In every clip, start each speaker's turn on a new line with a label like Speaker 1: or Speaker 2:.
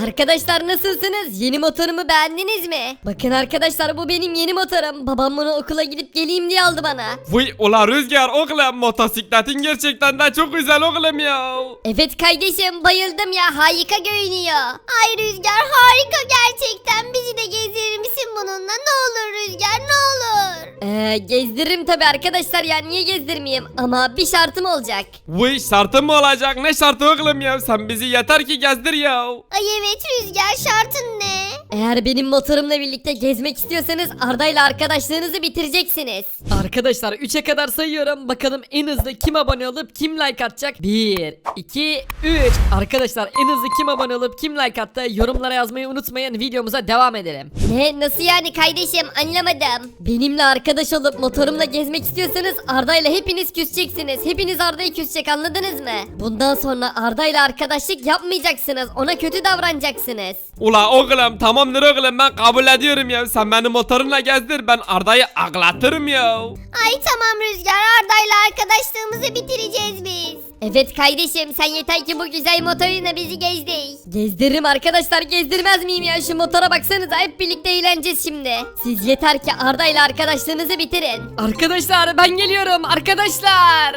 Speaker 1: Arkadaşlar nasılsınız? Yeni motorumu beğendiniz mi? Bakın arkadaşlar bu benim yeni motorum. Babam bunu okula gidip geleyim diye aldı bana.
Speaker 2: Vay ula Rüzgar oğlum motosikletin gerçekten de çok güzel oğlum ya.
Speaker 1: Evet kardeşim bayıldım ya, harika görünüyor. Ay Rüzgar harika gerçekten, bizi de gezdirir misin bununla? Ne olur Rüzgar ne olur. Gezdiririm tabi arkadaşlar ya, niye gezdirmeyeyim, ama bir şartım olacak.
Speaker 2: Vay şartın mı olacak? Ne şartı oğlum ya? Sen bizi yeter ki gezdir ya.
Speaker 1: Ay evet Rüzgar, şartın ne? Eğer benim motorumla birlikte gezmek istiyorsanız Arda ile arkadaşlığınızı bitireceksiniz.
Speaker 3: Arkadaşlar 3'e kadar sayıyorum. Bakalım en hızlı kim abone olup kim like atacak? 1, 2, 3. Arkadaşlar en hızlı kim abone olup kim like attı? Yorumlara yazmayı unutmayın. Videomuza devam edelim.
Speaker 1: Ne, nasıl yani kardeşim, anlamadım. Benimle arkadaş olup motorumla gezmek istiyorsanız Arda ile hepiniz küseceksiniz. Hepiniz Arda'yı küsecek, anladınız mı? Bundan sonra Arda ile arkadaşlık yapmayacaksınız. Ona kötü davranacaksınız.
Speaker 2: Ula oğlum tamamdır oğlum ben kabul ediyorum ya. Sen beni motorunla gezdir, ben Arda'yı ağlatırım ya.
Speaker 1: Ay tamam Rüzgar, Arda ile arkadaşlığımızı bitireceğiz biz. Evet kardeşim, sen yeter ki bu güzel motoruyla bizi gezdir. Gezdiririm arkadaşlar, gezdirmez miyim ya? Şu motora baksanıza, hep birlikte eğleneceğiz şimdi. Siz yeter ki Arda ile arkadaşlığınızı bitirin.
Speaker 3: Arkadaşlar ben geliyorum arkadaşlar.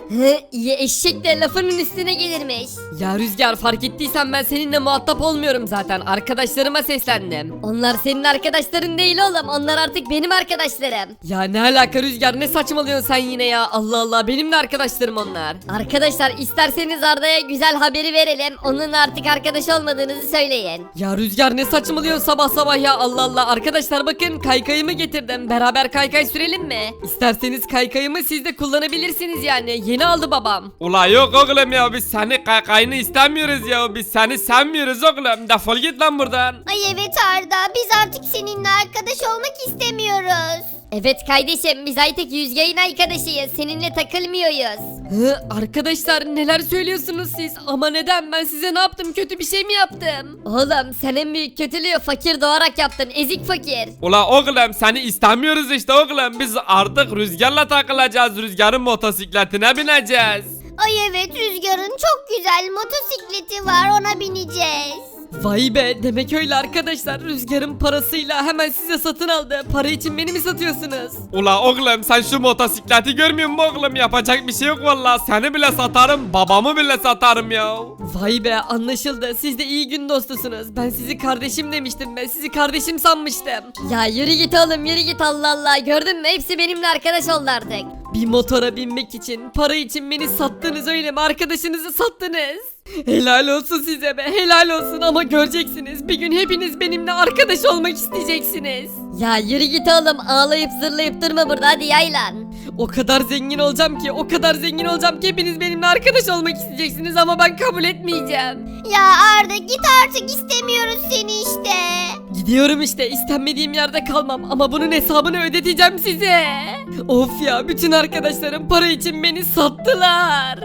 Speaker 1: İyi eşek de lafının üstüne gelirmiş.
Speaker 3: Ya Rüzgar fark ettiysen ben seninle muhatap olmuyorum zaten. Arkadaşlarıma seslendim.
Speaker 1: Onlar senin arkadaşların değil oğlum, onlar artık benim arkadaşlarım.
Speaker 3: Ya ne alaka Rüzgar, ne saçmalıyorsun sen yine ya? Allah Allah, benim de arkadaşlarım onlar.
Speaker 1: Arkadaşlar isterseniz Arda'ya güzel haberi verelim. Onunla artık arkadaş olmadığınızı söyleyin.
Speaker 3: Ya Rüzgar ne saçmalıyorsun sabah sabah ya, Allah Allah. Arkadaşlar bakın kaykayımı getirdim, beraber kaykay sürelim mi? İsterseniz kaykayımı siz de kullanabilirsiniz yani, yeni aldı babam.
Speaker 2: Ula yok oğlum ya, biz seni kaykayını istemiyoruz ya. Biz seni sevmiyoruz oğlum. Defol git lan buradan.
Speaker 1: Ay evet Arda, biz artık seninle arkadaş olmak istemiyoruz. Evet kardeşim, biz artık Rüzgar'ın arkadaşıyız, seninle takılmıyoruz.
Speaker 3: Arkadaşlar neler söylüyorsunuz siz? Ama neden, ben size ne yaptım, kötü bir şey mi yaptım?
Speaker 1: Oğlum sen en büyük kötülüğü fakir doğarak yaptın, ezik fakir.
Speaker 2: Ula oğlum seni istemiyoruz işte oğlum. Biz artık Rüzgar'la takılacağız. Rüzgar'ın motosikletine bineceğiz.
Speaker 1: Ay evet, Rüzgar'ın çok güzel motosikleti var, ona bineceğiz.
Speaker 3: Vay be, demek öyle arkadaşlar. Rüzgar'ın parasıyla hemen size satın aldı. Para için beni mi satıyorsunuz?
Speaker 2: Ula oğlum sen şu motosikleti görmüyor musun oğlum? Yapacak bir şey yok valla. Seni bile satarım, babamı bile satarım ya.
Speaker 3: Vay be, anlaşıldı. Siz de iyi gün dostusunuz. Ben sizi kardeşim demiştim be. Sizi kardeşim sanmıştım.
Speaker 1: Ya yürü git oğlum, yürü git, Allah Allah, gördün mü, hepsi benimle arkadaş oldu artık.
Speaker 3: Bir motora binmek için, para için beni sattınız öyle mi? Arkadaşınızı sattınız. Helal olsun size be, helal olsun, ama göreceksiniz. Bir gün hepiniz benimle arkadaş olmak isteyeceksiniz.
Speaker 1: Ya yürü git oğlum, ağlayıp zırlayıp durma burada, hadi yaylan.
Speaker 3: O kadar zengin olacağım ki, o kadar zengin olacağım ki hepiniz benimle arkadaş olmak isteyeceksiniz ama ben kabul etmeyeceğim.
Speaker 1: Ya Arda git artık, istemiyoruz seni işte.
Speaker 3: Gidiyorum işte, istenmediğim yerde kalmam ama bunun hesabını ödeteceğim size. Of ya, bütün arkadaşlarım para için beni sattılar.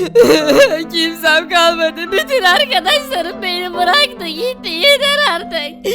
Speaker 3: Kimsem kalmadı, bütün arkadaşlarım beni bıraktı gitti, yeter artık.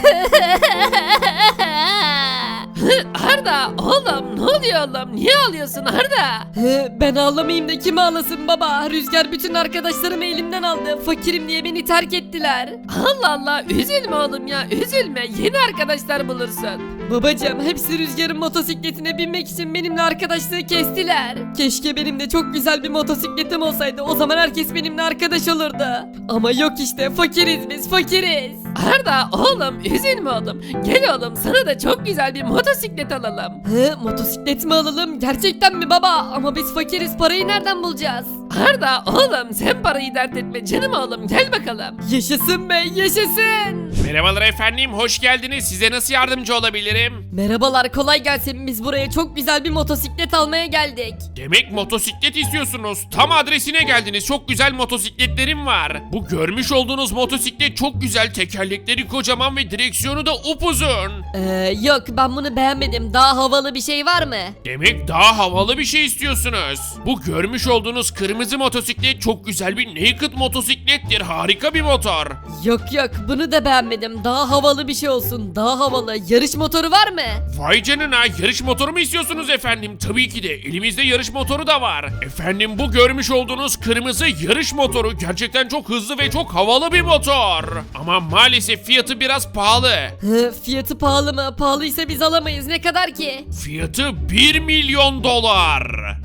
Speaker 3: Arda oğlum, ne oluyor oğlum, niye ağlıyorsun Arda? Ben ağlamayayım da kim ağlasın baba? Rüzgar bütün arkadaşlarımı elimden aldı, fakirim diye beni terk ettiler. Allah Allah, üzülme oğlum ya, üzülme, yeni arkadaşlar bulursun. Babacığım, hepsi Rüzgar'ın motosikletine binmek için benimle arkadaşlığı kestiler. Keşke benim de çok güzel bir motosikletim olsaydı, o zaman herkes benimle arkadaş olurdu. Ama yok işte, fakiriz biz, fakiriz. Arda oğlum, üzülme oğlum, gel oğlum, sana da çok güzel bir motosiklet alalım. Motosiklet mi alalım, gerçekten mi baba? Ama biz fakiriz, parayı nereden bulacağız? Arda oğlum, sen parayı dert etme canım oğlum, gel bakalım. Yaşasın be, yaşasın.
Speaker 4: Merhabalar efendim, hoş geldiniz. Size nasıl yardımcı olabilirim?
Speaker 3: Merhabalar, kolay gelsin. Biz buraya çok güzel bir motosiklet almaya geldik.
Speaker 4: Demek motosiklet istiyorsunuz. Tam adresine geldiniz. Çok güzel motosikletlerim var. Bu görmüş olduğunuz motosiklet çok güzel. Tekerlekleri kocaman ve direksiyonu da upuzun.
Speaker 3: Yok, ben bunu beğenmedim. Daha havalı bir şey var mı?
Speaker 4: Demek daha havalı bir şey istiyorsunuz. Bu görmüş olduğunuz kırmızı motosiklet çok güzel bir naked motosiklettir. Harika bir motor.
Speaker 3: Yok yok, bunu da beğenmedim. Daha havalı bir şey olsun. Daha havalı. Yarış motoru var mı?
Speaker 4: Vay canına, yarış motoru mu istiyorsunuz efendim? Tabii ki de elimizde yarış motoru da var. Efendim, bu görmüş olduğunuz kırmızı yarış motoru gerçekten çok hızlı ve çok havalı bir motor. Ama maalesef fiyatı biraz pahalı.
Speaker 3: Fiyatı pahalı mı? Pahalıysa biz alamayız. Ne kadar ki?
Speaker 4: Fiyatı 1 milyon dolar.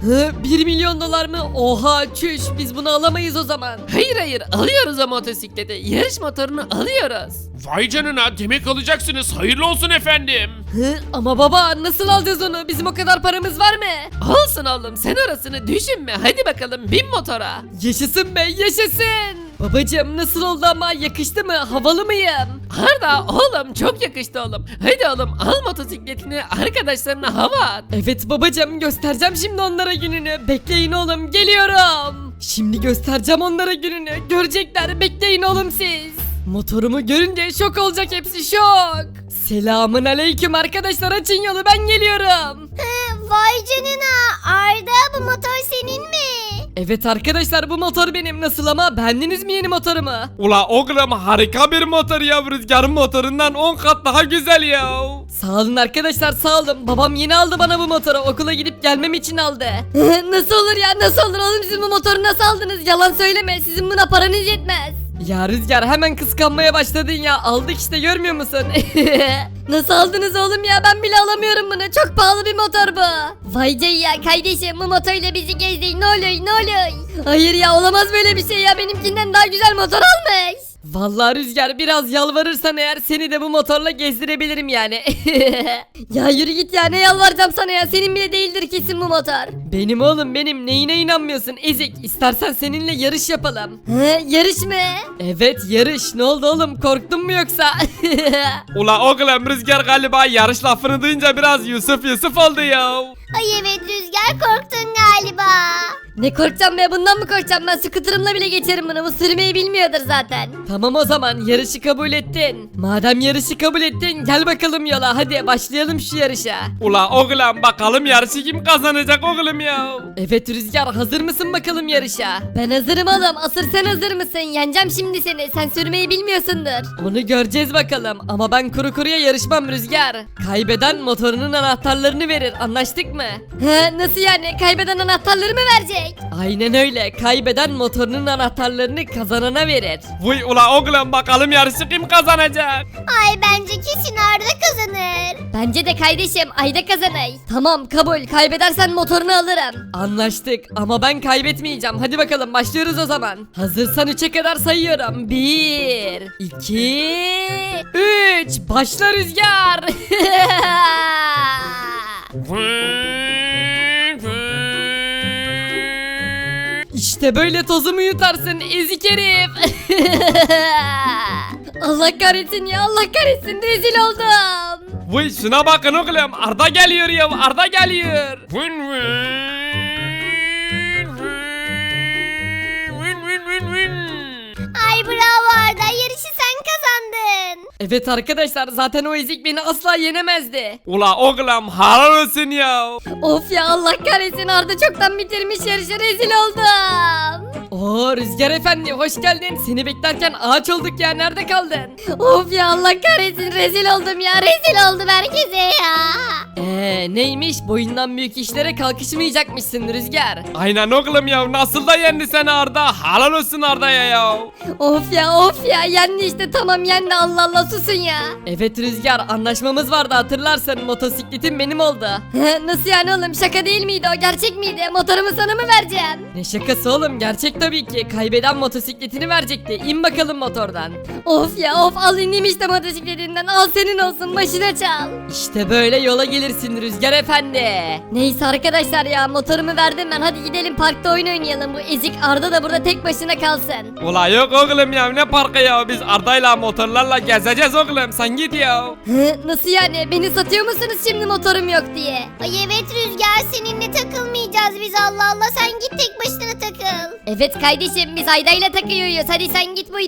Speaker 3: 1 milyon dolar mı? Oha çüş, biz bunu alamayız o zaman. Hayır alıyoruz o motosikleti. Yarış motorunu alıyoruz.
Speaker 4: Vay canına, demek alacaksınız. Hayırlı olsun efendim.
Speaker 3: Ama baba nasıl alacağız onu? Bizim o kadar paramız var mı? Olsun oğlum, sen orasını düşünme. Hadi bakalım, bin motora. Yaşasın be, yaşasın. Babacım nasıl oldu ama, yakıştı mı? Havalı mıyım? Arda oğlum, çok yakıştı oğlum. Hadi oğlum, al motosikletini, arkadaşlarına hava at. Evet babacım, göstereceğim şimdi onlara gününü. Bekleyin oğlum, geliyorum. Şimdi göstereceğim onlara gününü. Görecekler, bekleyin oğlum siz. Motorumu görünce şok olacak hepsi, şok. Selamın aleyküm arkadaşlar, açın yolu, ben geliyorum.
Speaker 1: Vay canına Arda, bu motor senin mi?
Speaker 3: Evet arkadaşlar, bu motor benim. Nasıl ama, beğendiniz mi yeni motorumu?
Speaker 2: Ula oğlum harika bir motor ya, Rüzgar'ın motorundan 10 kat daha güzel ya.
Speaker 3: Sağ olun arkadaşlar, sağ olun. Babam yeni aldı bana bu motoru, okula gidip gelmem için aldı. Nasıl olur ya, nasıl olur oğlum, siz bu motoru nasıl aldınız? Yalan söyleme, sizin buna paranız yetmez. Ya Rüzgar, hemen kıskanmaya başladın ya. Aldık işte, görmüyor musun? Nasıl aldınız oğlum ya, ben bile alamıyorum bunu. Çok pahalı bir motor bu.
Speaker 1: Vay canına ya kardeşim, bu motorla bizi gezdir ne olur ne olur.
Speaker 3: Hayır ya, olamaz böyle bir şey ya, benimkinden daha güzel motor almış. Vallahi Rüzgar, biraz yalvarırsan eğer seni de bu motorla gezdirebilirim yani.
Speaker 1: Ya yürü git ya, ne yalvaracağım sana ya, senin bile değildir kesin bu motor.
Speaker 3: Benim oğlum benim, neyine inanmıyorsun ezik? İstersen seninle yarış yapalım.
Speaker 1: Yarış mı?
Speaker 3: Evet yarış, ne oldu oğlum, korktun mu yoksa?
Speaker 2: Ula oğlum Rüzgar galiba yarış lafını duyunca biraz Yusuf oldu ya.
Speaker 1: Ay evet Rüzgar, korktun galiba. Ne korkacağım be, bundan mı korkacağım, ben scooter'ımla bile geçerim bunu, bu sürmeyi bilmiyordur zaten.
Speaker 3: Tamam o zaman, yarışı kabul ettin. Madem yarışı kabul ettin, gel bakalım yola, hadi başlayalım şu yarışa.
Speaker 2: Ula oğlum bakalım yarışı kim kazanacak oğlum ya.
Speaker 3: Evet Rüzgar, hazır mısın bakalım yarışa?
Speaker 1: Ben hazırım oğlum, asıl sen hazır mısın? Yeneceğim şimdi seni, sen sürmeyi bilmiyorsundur.
Speaker 3: Onu göreceğiz bakalım, ama ben kuru kuruya yarışmam Rüzgar. Kaybeden motorunun anahtarlarını verir, anlaştık mı?
Speaker 1: Nasıl yani, kaybeden anahtarları mı verecek?
Speaker 3: Aynen öyle, kaybeden motorunun anahtarlarını kazanana verir.
Speaker 2: Vay ula oğlum bakalım yarışı kim kazanacak.
Speaker 1: Ay bence kesin Arda kazanır. Bence de kardeşim, Ayda kazanır. Tamam kabul, kaybedersen motorunu alırım.
Speaker 3: Anlaştık, ama ben kaybetmeyeceğim. Hadi bakalım, başlıyoruz o zaman. Hazırsan 3'e kadar sayıyorum. 1 2 3 Başla Rüzgar. İşte böyle tozumu yutarsın ezik herif.
Speaker 1: Allah kahretsin ya, Allah kahretsin, rezil oldum.
Speaker 2: Vay şuna bakın oğlum, Arda geliyor ya, Arda geliyor.
Speaker 1: Ay bravo Arda, yarışı sen kazandın.
Speaker 3: Evet arkadaşlar, zaten o ezik beni asla yenemezdi.
Speaker 2: Ula oğlum helal olsun ya.
Speaker 1: Of ya, Allah kahretsin, Arda çoktan bitirmiş yarışı, rezil oldum.
Speaker 3: Oo Rüzgar efendi, hoş geldin. Seni beklerken ağaç olduk ya, nerede kaldın?
Speaker 1: Of ya, Allah kahretsin, rezil oldum ya, rezil oldum herkese ya.
Speaker 3: Neymiş, boyundan büyük işlere kalkışmayacakmışsın Rüzgar.
Speaker 2: Aynen oğlum ya, nasıl da yendi seni Arda, helal olsun Arda'ya ya.
Speaker 1: Of ya yendi işte, tamam yendi, Allah Allah susun ya.
Speaker 3: Evet Rüzgar, anlaşmamız vardı hatırlarsın, motosikletin benim oldu.
Speaker 1: Nasıl yani oğlum, şaka değil miydi o, gerçek miydi? Motorumu sana mı vereceğim?
Speaker 3: Ne şakası oğlum, gerçek tabii ki. Kaybeden motosikletini verecekti. İn bakalım motordan.
Speaker 1: Of ya of, al ineyim işte motosikletinden, al senin olsun, başına çal.
Speaker 3: İşte böyle yola gelirsin Rüzgar efendi.
Speaker 1: Neyse arkadaşlar ya, motorumu verdim ben, hadi gidelim parkta oyun oynayalım, bu ezik Arda da burada tek başına kalsın.
Speaker 2: Ula yok oğlum ya, ne parkı ya, biz Arda'yla motorlarla gezeceğiz oğlum, sen git ya.
Speaker 1: Nasıl yani, beni satıyor musunuz şimdi motorum yok diye? Ay evet Rüzgar, seninle takılmayacağız biz, Allah Allah, sen git tek başına takıl. Evet kardeşim, biz Ayda'yla takıyoruz, hadi sen git buradan.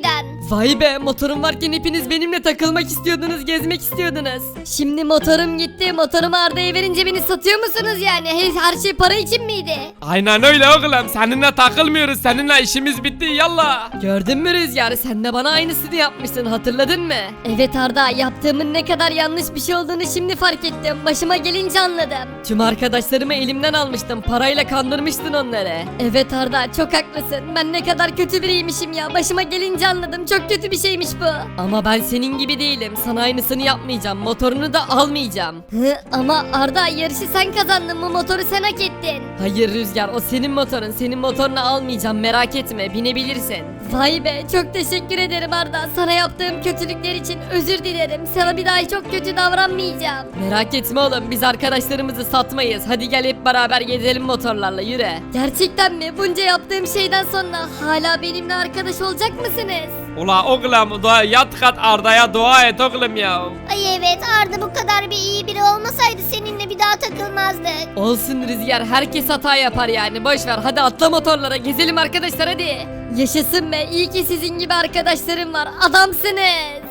Speaker 3: Vay be, motorum varken hepiniz benimle takılmak istiyordunuz, gezmek istiyordunuz.
Speaker 1: Şimdi motorum gitti. Motorumu Arda'ya verince beni satıyor musunuz yani? Her şey para için miydi?
Speaker 2: Aynen öyle oğlum. Seninle takılmıyoruz. Seninle işimiz bitti. Yallah.
Speaker 3: Gördün mü Rüzgar, sen de bana aynısını yapmıştın, hatırladın mı?
Speaker 1: Evet Arda, yaptığımın ne kadar yanlış bir şey olduğunu şimdi fark ettim. Başıma gelince anladım.
Speaker 3: Tüm arkadaşlarımı elimden almıştım, parayla kandırmıştın onları.
Speaker 1: Evet Arda, çok haklısın. Ben ne kadar kötü biriymişim ya. Başıma gelince anladım. Çok kötü bir şeymiş bu.
Speaker 3: Ama ben senin gibi değilim, sana aynısını yapmayacağım, motorunu da almayacağım.
Speaker 1: Ama Arda, yarışı sen kazandın. Bu motoru sen hak ettin.
Speaker 3: Hayır Rüzgar, o senin motorun, senin motorunu almayacağım, merak etme, binebilirsin.
Speaker 1: Vay be, çok teşekkür ederim Arda. Sana yaptığım kötülükler için özür dilerim. Sana bir daha çok kötü davranmayacağım.
Speaker 3: Merak etme oğlum, biz arkadaşlarımızı satmayız, hadi gel hep beraber gezelim motorlarla, yürü.
Speaker 1: Gerçekten mi? Bunca yaptığım şeyden sonra hala benimle arkadaş olacak mısınız?
Speaker 2: Ula oğlum yat kat Arda'ya dua et oğlum ya.
Speaker 1: Ay evet, Arda bu kadar bir iyi biri olmasaydı seninle bir daha takılmazdık.
Speaker 3: Olsun Rüzgar, herkes hata yapar yani, boş ver, hadi atla motorlara, gezelim arkadaşlar, hadi.
Speaker 1: Yaşasın be, iyi ki sizin gibi arkadaşlarım var. Adamsınız.